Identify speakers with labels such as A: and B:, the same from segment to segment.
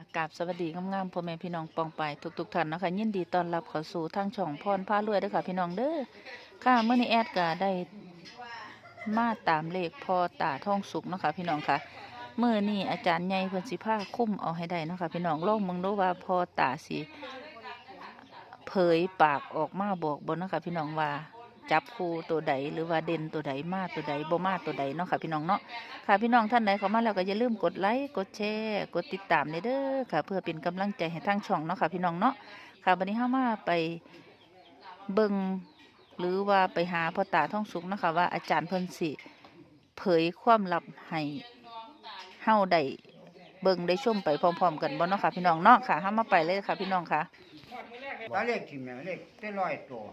A: กราบสวัสดีงามๆพ่อแม่พี่น้องปองไปทุกท่านนะคะยินดีต้อนรับเข้าสู่ทางช่องพรพารวยเด้อค่ะพี่น้องเด้อค่ะเมื่อนี้แอดก็ได้มาตามเลขพ่อตาท่องสุกเนาะค่ะพี่น้องค่ะเมื่อนี้อาจารย์ใหญ่เพิ่นสิพาคุ้มเอาให้ได้เนาะค่ะพี่น้องลองมึงดูว่าพ่อตาสิเผยปากออกมาบอกบ่เนาะค่ะพี่น้องว่าจับคู่ตัวใดหรือว่าเด่นตัวใดมาตัวใดบ่มาตัวใดเนาะค่ะพี่น้องเนาะ ค่ะพี่น้องท่านใดเข้ามาแล้วก็อย่าลืมกดไลค์กดแชร์กดติดตามเด้อค่ะเพื่อเป็นกำลังใจให้ทางช่องเนาะค่ะพี่น้องเนาะค่ะวันนี้เฮามาไปเบิ่งหรือว่าไปหาพ่อตาท่องสุขเนาะคะว่าอาจารย์เพิ่นสิเผยความลับให้เฮาได้เบิ่งได้ชมไปพร้อมๆกันบ่เนาะค่ะพี่น้องเนาะค่ะเฮามาไปเลยค่ะพี่น้องค่ะ
B: ตาเลขถิ่มเนี่ยเลขได้ร้อยตัว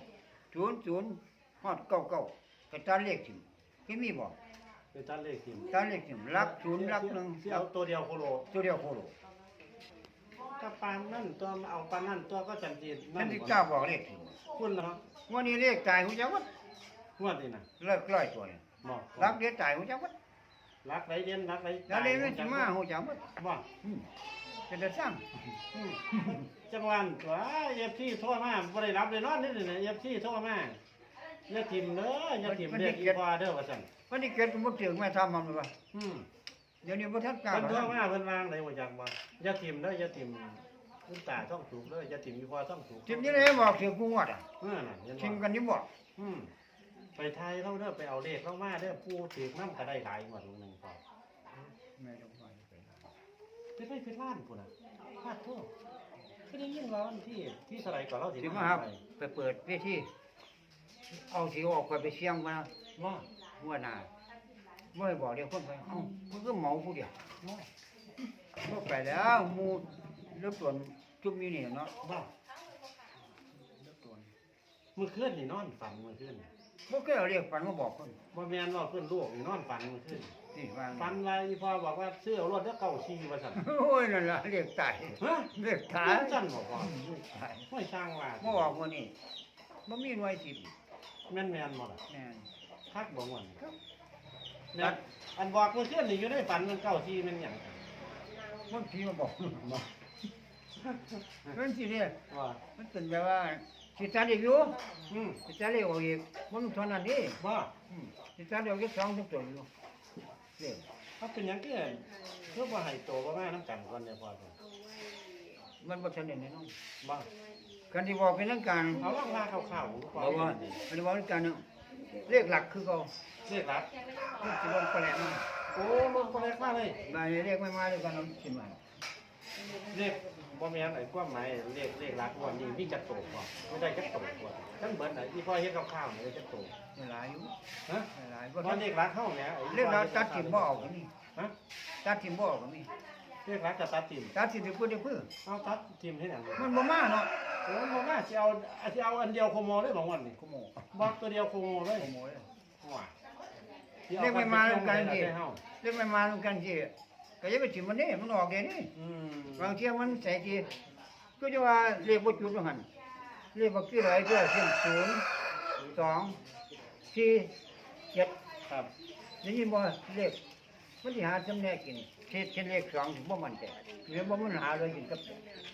B: 00ฮอด99ก็ตาเลขถิ่มคือมีบ่
C: เป็นตัดเลขทิม
B: ตาเลขถิ่มหลักศูนย์หลักหนึ่ง
C: ที่เอาตัวเดียวโคโล
B: ตัวเดียวโคโล
C: ถ้าปานนั่นตัวเอาปานนั่นตัวก็จันจี
B: นั่นที่เจ้าบอกเลขถิ่ม
C: คุณนะครับ
B: วันนี้เลขตายหูจักวัด
C: งวดนี่นะ
B: เลิกร้อยตัวเนี่ย
C: บอก
B: หลักเดียวตายหูจักวัด
C: รักไรเด่นรักไร
B: แล้วเลขมันสิมาหูจักวัด
C: บอก
B: เป็นแต่สร้าง
C: จังหวัดตัวเอฟซีโทรมาบ่ได้รับเลยนอนนี่เลยเอฟซีโทรมาอย่าทิมเด้ออย่าทิมเรียกอีพอเด้อว่าซั่น
B: วันนี้เกิดบ่ถึงแม่ทำมันเลยว่าเดี๋ยวนี้บ่ทันกล้า
C: เพิ่นโทรมาเพิ่นวางได้บ่จักบ่อย่าทิมเด้ออย่าทิมคุณตาต้องถูกเด้ออย่าทิมอีพอต้องถูก
B: ถิ่มนี่เลยบอกถึงกูงวดอ่ะ
C: น่ะเห็นบ่
B: ถิ่มกันนี่บ่
C: ไปไทยเราเด้อไปเอาเลขเข้ามาเด้อผู้ถือน้ำก็ได้หลายหมดลงหนึ่งพอ
B: แม่ต้องไป
C: เป็นล้านพุ่นน่ะพลาดทั่วคือได้ยินว่าวันที่เท่าไหร่ก่อนเราสิ
B: สิมาครับไปเปิดเวทีเอาสิออกไปเสียงมา
C: ว่า
B: หัวหน้าบ่ให้บอกเดี๋ยวคนไปเอ้ามันก็เหมาผู้เดียวบ่ไปแล้วหมู่เลือกส่วนจุ่มอยู่นี่เนาะ
C: ว่า
B: เลือกส่วน
C: เมื่อคืนนี่นอนฝันเมื่อคืนนี่
B: บ่เคยเอาเรียกฝันมาบอกคน
C: บ่แม่นว่าเพิ่นลูกนี่นอนฝันเมื่อคืน
B: นี่ว่า
C: ฝันว่าอีพ่อบอกว่าซื้อเอารถเด้อเก่าชีว่าซั่น
B: โอ้ยนั่นล่ะเรียกตาย
C: ฮะ
B: เรียกตา
C: ตาย ยซั่นบ่พ่อ
B: เรียกตาย
C: ไม่ช่างว่า
B: บ่ออกมื้อนี้บ่มีหน่วยสิบ
C: แม่นบ่ล่ะ
B: แม่น
C: คักบ่ม่วน
B: ครับ
C: เนี่ยอันบอกเมื่อคืนนี่อยู่ในฝันมันเก่าชีมันหยัง
B: มันผีมาบอก
C: บ่
B: มันสิเด้
C: ว่า
B: มันเป็นแบบว่าสิตัดอีกอยู่
C: อืม
B: สิตัดอีกออกอีกมันเท่านั้นเด้
C: ว่า
B: สิตัดออกอีก2 3ตัวอยู่เด้
C: เขาเป็นหยังเพื่อบ่ให้โตบ่มาน้ำกันก่อนเดี๋ยวพอเถอะ
B: มันบ่ทันได้แน่นอน
C: บ่
B: กันที่บอกเป็นทางการ
C: เอาล่างลาข่าวๆ
B: บอกว่าอันนี้บอกเป็นการเลขหลักคือเขา
C: เรียกรัก
B: คือสิลงไปแล้วมา
C: โอ้ลงคนแรกมาเลย
B: บายเลขไม่มาด้วยกันน้ำสิมา
C: เรียกบ่แม่นไอ้ความหมายเรียกรักวันนี้มีจักโตก่อนไม่ได้จักโตก่อนทั้งเบิดน่ะที่พ่อเฮ็ดข้าวๆนี่ได้จักโต
B: หลายอยู่
C: ฮะ
B: หลาย
C: บ่เรียกรักเฮาแหมไอ้
B: เลขเราตัดถิ่มบ่ออกก็มี
C: ฮะ
B: ตัดถิ่มบ่ออกก็มี
C: เรียกรักจะตัดทิ่ม
B: ตัดถิ่มไปเพื่อได้เพื่อ
C: เอาตัดทิ่มให้หยัง
B: มันบ่มาเนาะ
C: โอ้บ่มาสิเอาอันเดียวโคโมเลยบางวันนี่
B: ขโมย
C: บอกตัวเดียวโคโมเลย
B: ขโมยเลย
C: ว่า
B: เลขไม่มาด้วยกัน
C: สิ
B: สิเลขไม่มาด้วยกันสิก็อย่าไปถิ่มมันนี่มันออกเดี๋ยวนี้
C: อืม
B: บางเที่ยมันใส่ทีก็จะว่าเลขบ่จุดว่าหั่นเลขบ่คืออะไรก็เช่น0 2 4 7
C: ครับ
B: ได้ยินบ่เลขมันสิหาจำแนกกินเช่นเลข2ถึงบ่มั่นใจหรือบ่มันหาเลยกินกับ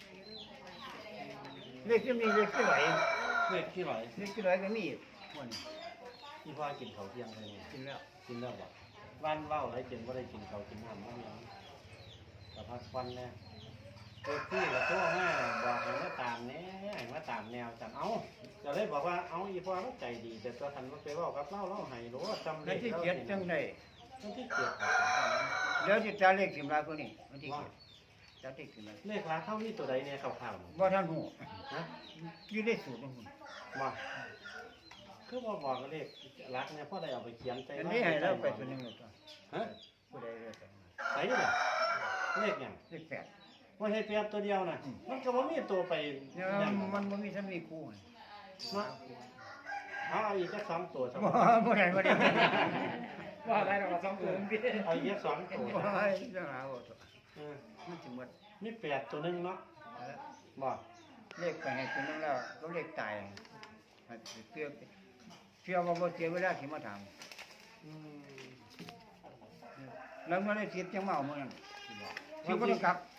B: เลขที่มีเลขที่ไหล
C: เลขที่ไหน
B: เลขที่ไหลก็มีอีกมัน
C: ที่พ่อกินข้าวเที่ยงเลยนี่
B: กินแล้ว
C: กินแล้วบ่วันเว้าไรกินบ่ได้กินข้าวกินน้ำบ่มีแต่พักควันแน่เด็กที่ก็โทรมาบอกให้มาตามแหน่ให้มาตามแนวจังเอ้าก็เลยบอกว่าเอาอีพ่อมันใจดี แต่ตัวทันบ่ไปเว้ากับเราให้รู้ว่าจำ
B: แล้วที่เจ็ดจังได๋
C: มันที่เจ็ด
B: เดี๋ยวสิตาเลขสิมลายพวกนี้มันที่เจ็ดตาเลขสิมลาย
C: เลขราเท่านี้ตัวใดเนี่ยข่าวๆนี่
B: บ่ทันฮู้
C: นะ
B: อยู่ในสูตรของคุณ
C: บ่คือบ่บอกเลขรักเนี่ยพ่อได้เอาไปเขียนใจ
B: อันนี้ให้เราไปตัวหนึงเลยตัว
C: ฮะ
B: ผู้ใดเลยไป
C: ไหนเนี่ยเลขหยัง
B: เลขแปด
C: ว่าให้เปรียบตัวเดียวน่ะมันก็บ่มีตัวไป
B: เนี่ย
C: หยัง
B: มันบ่มีถ้ามีคู่หั่น
C: เนาะเอาอีกสัก2ตัวซะ
B: บ่บ่ได้บ่ได้
D: ว่าอะไรเราสองตัวพี่
C: เอาอีก2ตัว
B: บ่ให้จะหาบ่ตัว
C: เออ
B: มันสิหมด
C: มี8ตัวหนึงเนาะบ่
B: เลขไปให้ตัวนึงแล้วก็เลขตายให้เชื่อว่าบ่เสียเวลาสิมาถาม
C: อืม
B: แล้วมันได้สิทธิ์จังเมามื้อนั้น
C: บ่
B: สิบ่ต้องกลับ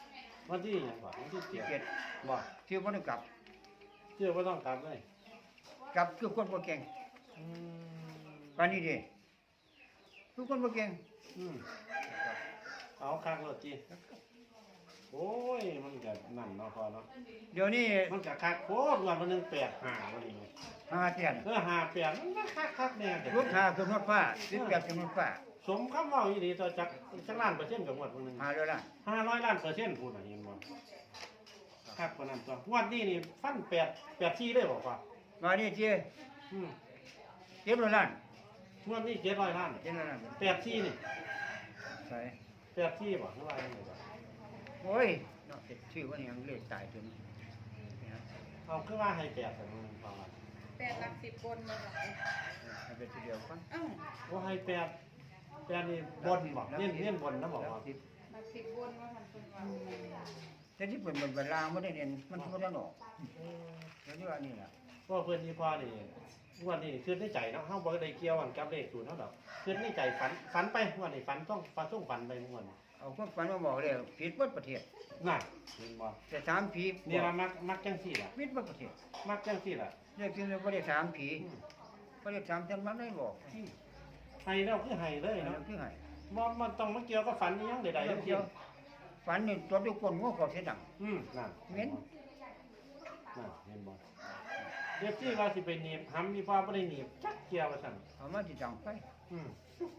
C: วันที่หยังบ่วันที่
B: ที่
C: 7
B: เจ็ด
C: บ่
B: ชื่อบ่ได้กลับ
C: เชื่อบ่ต้องกลับเลย
B: กลับคือคนบ่เก่ง
C: อืม
B: ปานนี้ดิคือคนบ่เก่ง
C: อืมเอาคักรถจีโอ้ยมันก็นั่นเนาะพอเนาะ
B: เดี๋ยวนี้
C: มันก็คักโคตรวันนึง85วันนี้
B: หาเตียน
C: 58มันก็คักแน่แต่
B: รถหาขึ้นรถฟ้า18ขึ้นรถฟ้า
C: สมคำเว้าอีหลีต่อจักล้านเปอร์เซ็นต์กับงวดวันนึง
B: หาเด้อล่ะ
C: 500ล้านเปอร์เซ็นต์พูดน่ะเห็นบ่คักกว่านั้นตัวงวดนี้นี่ฟัน84เลยบ่พ่อ
B: มานี่เจ้
C: อืม
B: เจ็บแล้วล้าน
C: งวดนี้700ล้าน
B: เจ็บแล้วล้าน
C: 84นี่
B: ใส่
C: 84บ่หรือว่าจังไดบ่
B: โอ้ยเนาะชื่อว่าหยังเลขตายตัวนี้
C: เอาคือว่าให้8แต่มึงฟังว่า
E: 8 หลัก 10 คนมาค่ะ
B: ให้ไปทีเดียวก่อน
E: อ้าว
C: ว่าให้8นี่บนบ่เน้นบนนะบอกว่า
E: หลัก 10 คนว่ามันเป็นว่า
B: แต่ที่เป็นเวลาบ่ได้เรียนมันบ่ได้ออกแล้วนี่ว่านี่ล่ะ
C: เพราะเพิ่นนี่พอนี่งวดนี้คิดในใจเนาะเฮาบ่ได้เกี่ยวกันกับเลขศูนย์เฮาดอกคิดในใจฝันไปงวดนี้ฝันต้องฝันไปงวดนี้
B: เอาความฝันมาบอกเลยผิดเบิดประเทศ
C: น่ะเห็นบ่
B: แต่ถามผี
C: นี่ว่ามักจังซี่ล่ะ
B: ผิดเบิดประเทศ
C: มักจังซี่ล่ะ
B: เรียกที่บ่ได้ถามผีบ่ได้ถามจนมันได้บอก
C: ให้แล้วคือให้เลย
B: นั่
C: เนาะ
B: นคือให้
C: บ่มันต้องมาเกี่ยวกับฝันอีหยังใดๆทั้งสิ้น
B: ฝันนี่ตัวทุกคนงัวเขาเสียดัง
C: นั่น
B: เหม็น
C: นั่นเห็นบ่เดี๋ยวที่ว่าสิไปหนีบหำมีฟ้าบ่ได้หนีบจักเกี่ยวว่าซั่น
B: เอามาที่ดังไป
C: อืม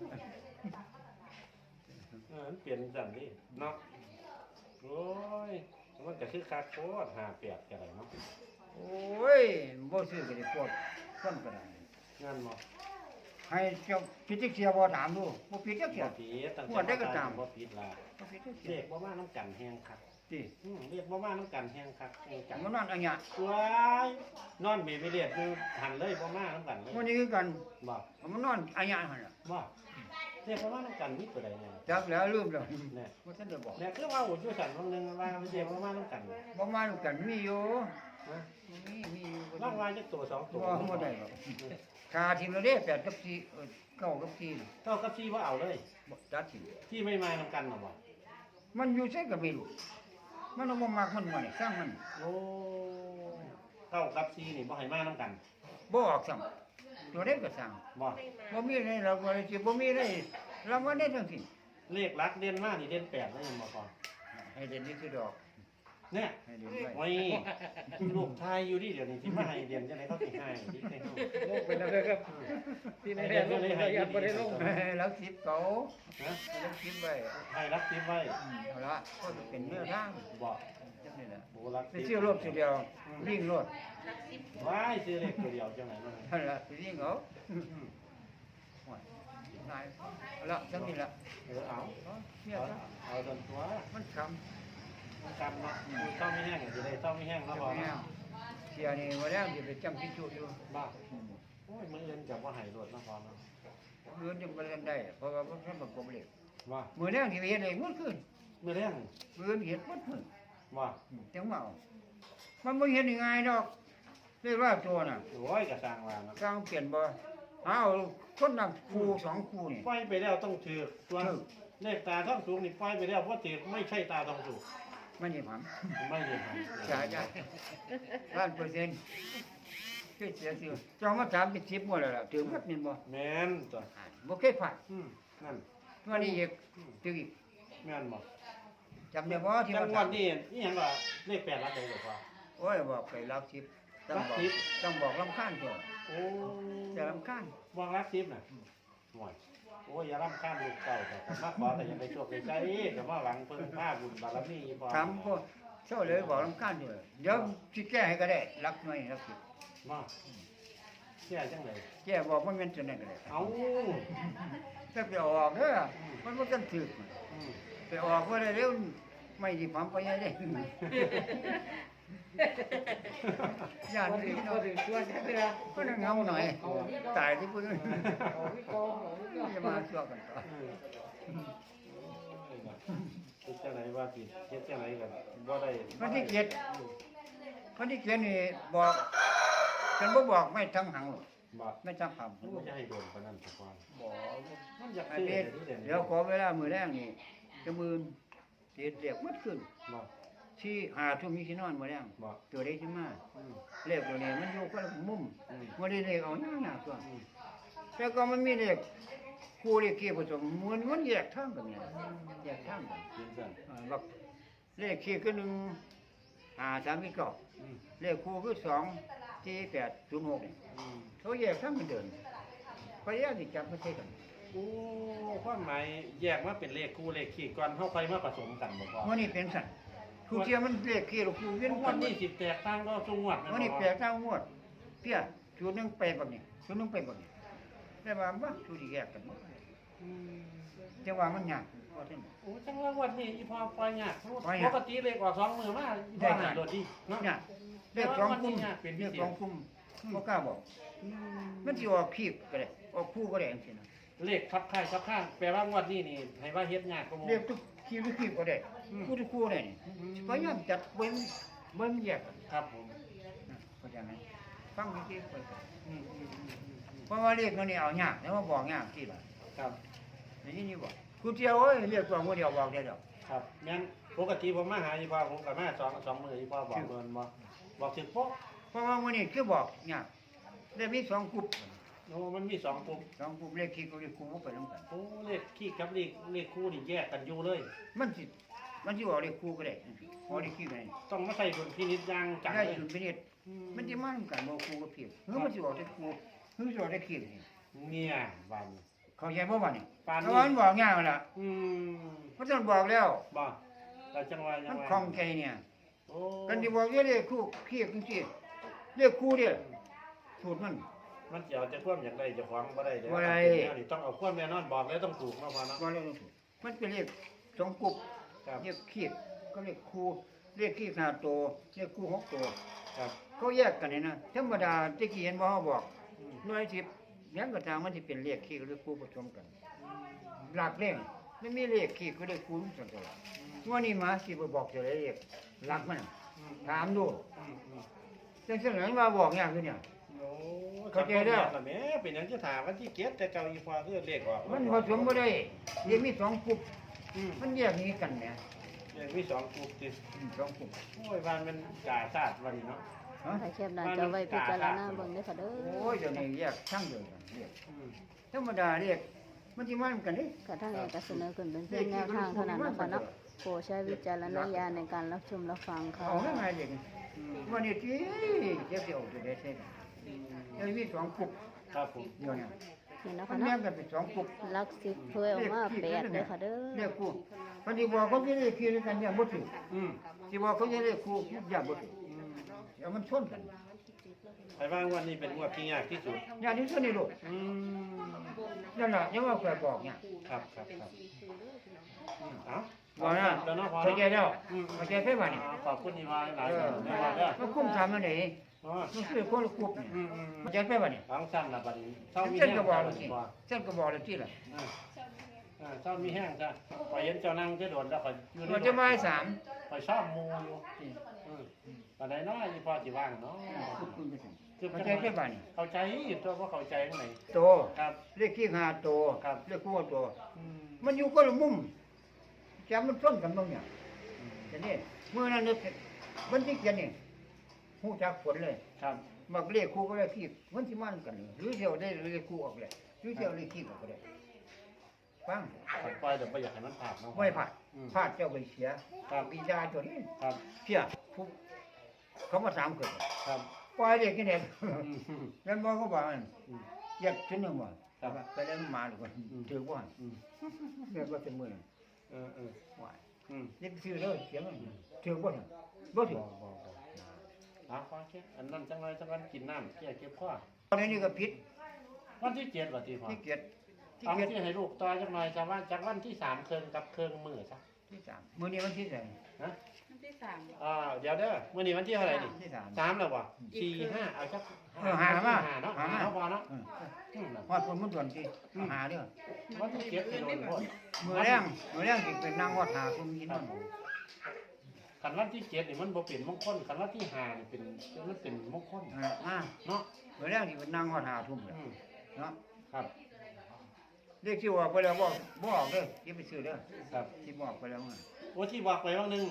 C: มันเปลี่ยนจังนี่เนาะโอ้ยมันก็คือคาโคตร58ก็ได้เนาะ
B: โอ้ยบ่ซื้อก็ได้ปวดคนก็ได้
C: งั้นบ่
B: ให้เจ้าพิจิกเสียบ่ถามดูบ่ผิดจักเสีย
C: บ่ผิดตั้ง
B: งวดได้ก็ตาม
C: บ่ผิดล่ะ
B: บ่ผิดจักเสี
C: เรียกบ่มาน้ำกันแฮงคัก
B: ติ
C: เรียกบ่มาน้ำกันแฮงคักแฮงจัง
B: มันนั่นอันเนี้ย
C: ว้ายนอนเมไปเรียกคือหันเลยบ่มาน้ำกันเลย
B: มันนี่คือกัน
C: บ่
B: มันนอนอันเนี้ยหั่นล่ะ
C: บ่เรียกบ่มาน้ำกันมีตัวใดเนี่ย
B: จักแล้วลืมแล้ว
C: เนี่ย
B: บ่ทันได้บอก
C: เนี่ยคือว่าอยู่สั่นวันหนึงว่าเรียกบ่มาน้ำกัน
B: บ่มาดูกันมีอยู่
C: นะ
B: มีอยู่บ่
C: ลองว่าจักตัวสองตัว
B: บ่ได้หรอกค่าทีมเราเด้8กับ4 9กับ4
C: เท่ากับที่ว่าเอาเลย
B: บ่ตัดทีม
C: ที่ไม่มาน้ำกันน่ะบ่
B: มันอยู่ใส่ก็ไม่รู้มันเอาบ่มักมันบ่นี่สร้างมัน
C: โอ้เท่ากับที่นี่บ่ให้มาน้ำกัน
B: บ่ออกซ้ำตัวเด็กก็สร้าง
C: บ่
B: บ่มีอะไรเราบ่ได้สิบ่มีอะไรเราบ่ได้ทั้งสิ้น
C: เลขหลักเด่นมากนี่เด่น8แล้วยังบ่พอ
B: ให้เด่นนี่คือดอก
C: เนี่ย
B: ให้เด่นไว้
C: โอ้ยลูกชายอยู่ดิเดี๋ยวนี้ที่มาให้เรียนจังไดเขาสิให้ดิให้เฮา
D: ลงเป็นอะไรครับที่ในแดนลงระยะบ่ได้ลง
B: แล้วสิบเขา
C: ฮะ
B: แล้วสิบไว้
C: ให้รักทิพไว้
B: เอาละก็เป็นเนื้อทาง
C: บอก
B: จังนี่แหละ
C: โบรัก
B: ไปเชื่อรถทีเดียววิ่งรถ
E: หลัก 10
C: ว้ายซื้อเลขตัวเดียวจังไหนมัน
B: นั่นล่ะไปวิ่งเอาโอ้ยนายเอาละจังนี่ล่ะ
C: เอา
B: เอาเชื่อ
C: เอา
B: ซะ
C: เอาจนตัว
B: มันค
C: มันกันเนาะคือเศร้าไม่แห้งจะได้เศร้าไม่แห้ง
B: ำ
C: แล้ว
B: จะ
C: พอ
B: ไม่
C: เนาะ
B: เอาเสียนี่ว่าแล้วสิไปจำที่จุอยู่
C: บ้าโอ้ยมือเอื่นจับว่าหายรถนะพอเนาะ
B: เงินจะบ่ทันได้เพราะว่าบ่ทันประกอบเลข
C: ว่า
B: มื้อนี้ที่ไปเฮ็ดเองหมดคืน
C: มือแรง
B: มื้อนี้เฮ็ดหมดมื้อ
C: ว่า
B: จังว่าเอามันบ่เฮ็ดง่ายๆดอกเรียกว่าตัวน่ะ
C: โอ้ยกระสร้างว่าเนาะ
B: กลางเปลี่ยนบ่เอาคนนำคู่สองคู่นี่
C: ปล่อยไปแล้วต้องถือตัวเลขตาท่องสูงนี่ปล่อยไปแล้วเพราะถือไม่ใช่ตาท่องสูง
B: มันนี่ผม
C: ไม่ได้หาย
B: จ่ายได้1,000%คือเสียสิเจ้ามาถามเป็น10หมดแล้วล่ะถึงครับนี่บ่
C: แม่นตัว
B: บ่เคยพลาด
C: นั่น
B: ตัวนี้อีกถึงอีก
C: แม่นบ่
B: จำได้บ่ที่
C: จั
B: ว่าง
C: หวัดนี่อีหยังก็เลข8หลักใดก็พอ
B: โอ้ยบอกไปรัก10ต้องบอกต้องบอกรำคาญตัว
C: โอ้
B: จะรำคาญ
C: วางรักทิพย์น่ะห่วยโอ้ยอย่ารำคาญลูกเก่าแต่มาขอแต่อยังไปโชคไปใจแต่ว่าหวังเพิ่งผ้าบุญบารมีพอ
B: ถามพวกเจ้าเลยบอกรำคาญอยู่เดี๋ยวสิแก้ให้ก็ได้รักหน่อยรัก10
C: มาเชื่อจังเลย
B: แก้บอกมันเป็นจังได๋ก็ได้
C: เอา
B: ถ้าไปออกเด้อมันบ่ทันถึก
C: อืม
B: ไปออกบ่ได้เร็วไม่สิปั๊มไปยังได้ย่าน
D: พอ
B: นี่
D: ถึงพ
B: เนาะ
D: อถึงตัวจะได้รับ
B: ก็นั่งเงาหน่อยตายที่พุ่น
D: เอาวิกองเอาวิกอง
B: จะมาชั่วกันต่อ
C: คิดจังไหนว่าผิดคิดจังไหนกันบ่ได้
B: วันที่7วันที่7นี่บอกฉันบ่บอกไม่ทั้งหังหรอก
C: บอก
B: ไม่ทั้งคำ
C: มันบ่จะให้โดนปานนั้นสักวัน
B: บอก
C: มันอยาก
B: ไอ้
C: ซื้อ
B: เพชร
C: เดี๋ยวนี้
B: เดี๋ยวขอเวลามื้อแรกนี่จะมื่นเสียเรียกหมดขึ้น
C: บอก
B: ที่หาทุ่มมีที่นอนมาแล้ว
C: บอก
B: ตัวได้ขึ้นมา
C: อืม
B: เลขตัวนี้มันอยู่ก็มุม
C: อืม
B: มันได้เลขเอาหน้าตัว
C: อืม
B: แล้วก็มันมีเลขคู่เลขเกี่ยวผสมมันแยกทางกันเนี่ยแยกทางกัน
C: ยินสั่น
B: บักเลขขี้คือ1 5 3 9
C: อืม
B: เลขคู่คือ2 4 8 0 6เนี่ย
C: อืม
B: เขาแยกทางกันเดินพยายามที่จับมาใช้กัน
C: โอ้ความหมายแยกมาเป็นเลขคู่เลขขี้ก่อนเฮาค่อยมาผสมกันบ่พอ
B: วันนี้เป็นสัตว์คู่เทียมมันเลขขี้หรือคู่เวียน
C: ง
B: กั
C: วัน นนี้สิแตกต่างก็จังหวัด
B: วันนี้แปลกทางงวดเพี้ยชุดหนึงไปแบบนี้ชุดหนึงไปแบบนี้แต่ว่าบ่ชุดที่แยกกัน
C: อืม
B: แต่ว่ามันยากว่าซั่น
C: โอ้จังว่าวันนี้อีพอปล่อยยาก
B: ปล่อยยาก
C: ปกติเลขออก2มื้อมาอีพอหาโดดดีเนาะ
B: ยากเลขสองคุมเลขสองคุมบ่กล้าบอกมันสิออกขี้ก็ได้ออกคู่ก็ได้จังซี่นะ
C: เลขคับค่ายคับข้างแปลว่างวดนี้นี่ให้ว่าเฮ็ดยากกว่าหมู่
B: เลขทุกขี้หรือขี้ก็ได้คู่ทุกคู่ได้นี่พยายามจัดเบิ่งแยกกัน
C: ครับผม
B: นะเข้าใจไหมฟังดีๆไปก่อน
C: อืม
B: เพราะว่าเลขมันนี่เอายากแล้วมาบอกยากที่ล่ะ
C: ครับ
B: นี่บอกกูเที่ยวเอ้ยเรียกตัวมือเดียวบอกได้ดอก
C: ครับแม่นปกติผมมาหาอีพอผมก็มา2มื้ออีพอบอกเงินบ่บอกถึงโป๊ะ
B: เพราะว่ามื้อนี้คือบอกยากได้มี2กลุ่ม
C: โอ้มันมี2กลุ่ม
B: 2กลุ่มเลขขี้ก็เลขคู่บ่ไปนํกัน
C: โอ้เลขขี้กับเลขคู่นี่แยกกันอยู่เลย
B: มันสิออกเลขคู่ก็ได้ออกเลขขี้ก็ได้
C: ต้องมาใส่ดุลพินิจอย่างจัง
B: ได้
C: เลย
B: สุดพินิจมันสิมานํกันบ่คู่กับขี้หรือมันสิออกเลขคู่หรือสิออกเลขขี้นี่
C: เนี่ยบัน
B: เข้าใจบ่บัดนี้
C: ปานนี้
B: เพราะว่ามันบอกยากนั่นล่ะ
C: อืม
B: มันต้องบอกแล้ว
C: บ่เราจังว่าจั
B: มั
C: ง
B: น
C: ว่า
B: คล่องใจเนี่ย
C: โอ้
B: กันสิบอกเลขคู่ขี้จังซี่เลขคู่เด้สูตรมัน
C: มันสิเอาแต่ความอยากได้เจ้าของบ่ได้เด้อ
B: บ่ได้
C: แนวนี่ต้องเอาความแน่นอนบอกแล้วต้องถูกเนาะพ่อเนาะ
B: ก็เลขสูตรมันเป็นเลข2กลุ่ม
C: ครับ
B: เรียกขี้ก็เรียกครูเรียกขี้5ตัวเรียกครู6ตัว
C: ครับ
B: เขาแยกกันนี่นะธรรมดาตะกี้เห็นบ่เขาบอก
C: อืม
B: หน่วย10ยังก็ตามมันสิเป็นเลขขี้กับเลขครูผสมกันหลักเลขมันมีเลขขี้กับเลขครูสันตัวว่านี่มาสิบ่บอกจะได้เลขหลักมันน่ะ
C: อืม
B: ถามดู
C: อืมอืม
B: จังซั่นหลังมาบอกยากคือเนี่ย
C: โอ้
B: เข้าใจแล้ว
C: แม่เป็นหยังจะถามวันที่เก็บแต่เก่าอีพอคือเลขออก
B: มันผสมบ่ได้เรียกมี2กลุ่ม
C: อืม
B: มันแยกหนี้กันเนี่ย
C: เลขมี2กลุ่มติ
B: 2กลุ่ม
C: โอ้ยบ้านมันกาชาติวันนี้เนาะ
B: ฮะ
F: ถ่ายแคบหน้าจอไว้พิจารณาเบิ่งเด้อค่ะเด้อ
B: โอ้ยเดี๋ยวนี้แยกช่างเดียวกันเรียก
C: อืม
B: ธรรมดาเรียกมันสิมากันเด้
F: กระทั่งเอกเสนอขึ้นเป็นเพียงแนวทางเท่านั้นนะคะเนาะโปรดใช้วิจารณญาณในการรับชมรับฟังค่ะ
B: เอาง่ายๆเลยวันนี้ที่เจ็บเดียวจะได้ใช่ไหมยังมี2กลุ่ม
C: ครับผม
B: เดียวเนี่ย
F: นี่นะ
B: มั
F: คะ
B: นแย
F: เนาะ
B: กกันเป็น2กลุ่ม
F: ลักสิบเพื่อออกมาแปดเด้อค่ะเด้อ
B: เรียกคู่มันสิบอกเขาจะเรียกคู่ด้วยกันเนี่ยบ่ถูก
C: อืม
B: สิบอกเขาจะเรียกคู่อย่าบ่ถูกเดี๋ยวมันชนกัน
C: ไปว่างวันนี้เป็นงวดที่ยากที่สุด
B: อย่างนี้ส่วนนี้ลูก
C: อืม
B: นั่นน่ะยังว่าแกบอกเนี่ย
C: ครับครับครับอืมเอ้า
B: บอกนะ
C: แล้วเนาะพอ
B: เข้าใจ
C: เนาะ
B: แล้วเข้าใจไปบ่นี่
C: ขอบคุณอีวานหลาย
B: เอ
C: ๆ
B: อ
C: ในวันเด้อ
B: มันคุ้มทำมันได้
C: อ๋อ
B: มันคือคนละกลุ่มเนี่ย
C: อืมอืม
B: เข้าใจไปบ่นี่
C: หลังสั้นละบัดนี้เศร้ามี
B: เส้น
C: แห้ง
B: ก็บอก
C: จ้ะ
B: แล้วสิ
C: บ่
B: เส้นก็บอกแล้วสิล่ะ
C: เศร้ามีแห้งจ้ะพอเห็นเจ้านั่งจะโดนแล้วพออยู่ใน
B: มันจะมาสาม
C: พอชอบมูอยู่อืมปานใดเนาะอีพอสิว่างเนาะคือ
B: เข้าใจไปบ่นี่
C: เข้าใจอยู่ตัวว่าเข้าใจข้างไหน
B: โต
C: ครับ
B: เลขที่5โต
C: ครับ
B: เลขคู่โต
C: อืม
B: มันอยู่คนละมุมจำมันต้นกันบ้างเนี่ยแต่นี่เมื่อนั้นเนี่ยมันที่เขียนนี่หูจักผลเลย
C: ครับ
B: มักเลขคู่ก็เลขขี้มันที่มันกันเลยหรือเที่ยวได้เลขคู่ออกเลยหรือเที่ยวเลขขี้ออกก็ได้ฟัง
C: ปล่อยเดี๋ยวบ่อยากให้มันผ่านเนาะ
B: ไม่ผ่านพลาดเจ้าไปเสีย
C: ครับ
B: ปีดาตัวนี้
C: ครับ
B: เพี้ยผู้เขามาถามเกิด
C: ครับ
B: ปล่อยเด็กนี่เด็ก
C: อืม
B: แล้วบอกเขาบอกมัน
C: อืม
B: อยากชิ้นหนึ่งว่า
C: ครับ
B: ไปแล้วมาหรือว่า
C: อืม
B: ถือว่า
C: อืม
B: เรียกว่าเป็นมือ
C: เออ
B: ว่า
C: อืม
B: นี่ซื้อเลยเสียมันถือว่าบ่ถือ
C: บ่เอาฟังแค่อันนั้นจังไรจังวันกินน้ำแก้เก็บข้อ
B: ตอนนี้ก็ผิด
C: วันที่7ว่าติพอ
B: ที่เกียรติที่
C: เอา
B: เกียรติ
C: ที่ให้ลูกต่อจังหน่อยจะว่าจากวันที่3เคิงกับเคิงมื้อซะ
B: ที่สามมื้อนี้วันที่ไหน
C: ฮะ
E: วันที่สามเหรอ
C: เดี๋ยวเด้อมื้อนี้วันที่เท่าไหร่นี่
B: ที่สาม
C: 3แล้วบ่4 5เอาจัก
B: หามา
C: เนาะ
B: หามา
C: เอาพอเนาะ
B: อืม
C: อืม
B: ฮอดคนมันด่วนที่หาเด้อ
C: วันที่7สิโดนโพด
B: มื้อแรงสิเป็นนางวัดหาคนมีนั่น
C: คันวันที่7นี่มันบ่เป็นมงคลคันวันที่5นี่เป็นมันเป็นมงคล
B: มา
C: เนาะ
B: มื้อแรงสิเป็นนางวัดหาทุ่มเลย
C: อืม
B: เนาะ
C: ครับ
B: เลขที่ออกไปแล้วบ่ออกเด้ออย่าไปซื้อเด้อ
C: ครับ
B: ที่บอกไปแล้วไง
C: โอ้ที่บอกไปว่านึง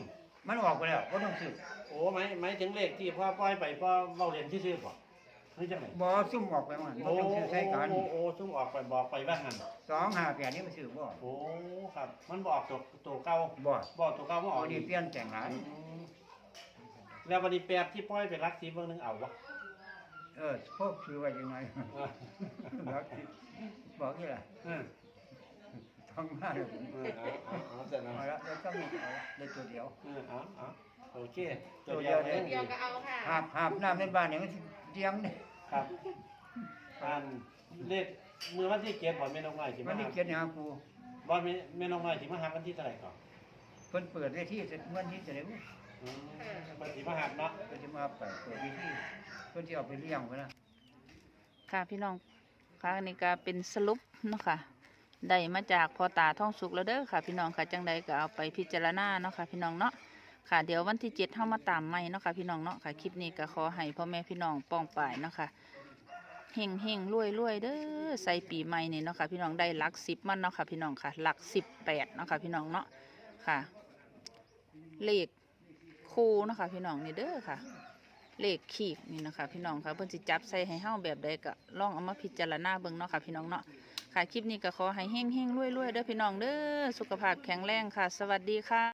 B: มันออกไปแล้วก็ต้องซื้อ
C: โอ้หมายถึงเลขที่พ่อปล่อยไปพ่อเว้าเรียนซื่อๆบ่คือจังได๋
B: บ่ซุ่มออกไปมันบ่
C: โอ้
B: ต้องซื้อใช้กัน
C: โอ้ซุ่มออกไปบอกไปว่างั้น
B: 258นี่มันซื้อบ่
C: โอ้ครับ มันบอกตัวเก่า
B: บ่
C: บอกตัวเก่ามาออก
B: อันนี้เปลี่ยนแต่งหลาย
C: แล้ววันนี้แปดที่ปล่อยไปรักสีเบิ่งนึงเอาวะ
B: พวกซื้อไว้ยังไงแล้วบอกนี่ล่ะ
C: เออ
B: ต้องมาเลย
C: เอาเสร็จแล้ว
B: เอาละแล้วก็มีเอาละได้ตัวเดียว
C: เอาโอเค
B: ตัวเดียว
C: เล
E: เดียวก็เอาค่ะ
B: หาบน้ำในบ้านเนี่ยมันสิเตียงเนี่ย
C: ครับอันเลขมือวันที่เจ็ดบ่แม่น้องน้อยสิ
B: มั
C: มาน
B: นี่
C: หา
B: เกียรติหากู
C: บ่แม่น้องน้อยสิมาหาวันที่เท่าไหร่ก่อน
B: เพิ่นเปิดเวทีเสร็จวันที่จะได้
C: อืมเพิ่นสิมาหาเนาะ
B: เพิ่นจะมาเปิดเวทีเพิ่นจะเอาไปเลี้ยงไว้นะ
A: ค่ะพี่น้องค่ะอันนี้ก็เป็นสรุปเนาะค่ะได้มาจากพ่อตาท่องสุกแล้วเด้อค่ะ พี่น้องค่ะจังใดก็เอาไปพิจารณาเนาะค่ะพี่น้องเนาะค่ะเดี๋ยววันที่7เฮามาตามใหม่เนาะค่ะพี่น้องเนาะค่ะคลิปนี้ก็ขอให้พ่อแม่พี่น้องป้องป่ายเนาะค่ะเฮงเฮงรวยรวยเด้อใส่ปีใหม่นี่เนาะค่ะพี่น้องได้หลัก10มันเนาะค่ะพี่น้องค่ะหลัก18เนาะค่ะพี่น้องเนาะค่ะเลขคู่เนาะค่ะพี่น้องนี่เด้อค่ะ เลขขีดนี่นะคะพี่น้องค่ะเพิ่นสิจับใส่ให้เฮาแบบใดก็ลองเอามาพิจารณาเบิ่งเนาะค่ะพี่น้องเนาะค่ะคลิปนี้ก็ขอให้เฮงๆรวยๆเด้อพี่น้องเด้อสุขภาพแข็งแรงค่ะ สวัสดีค่ะ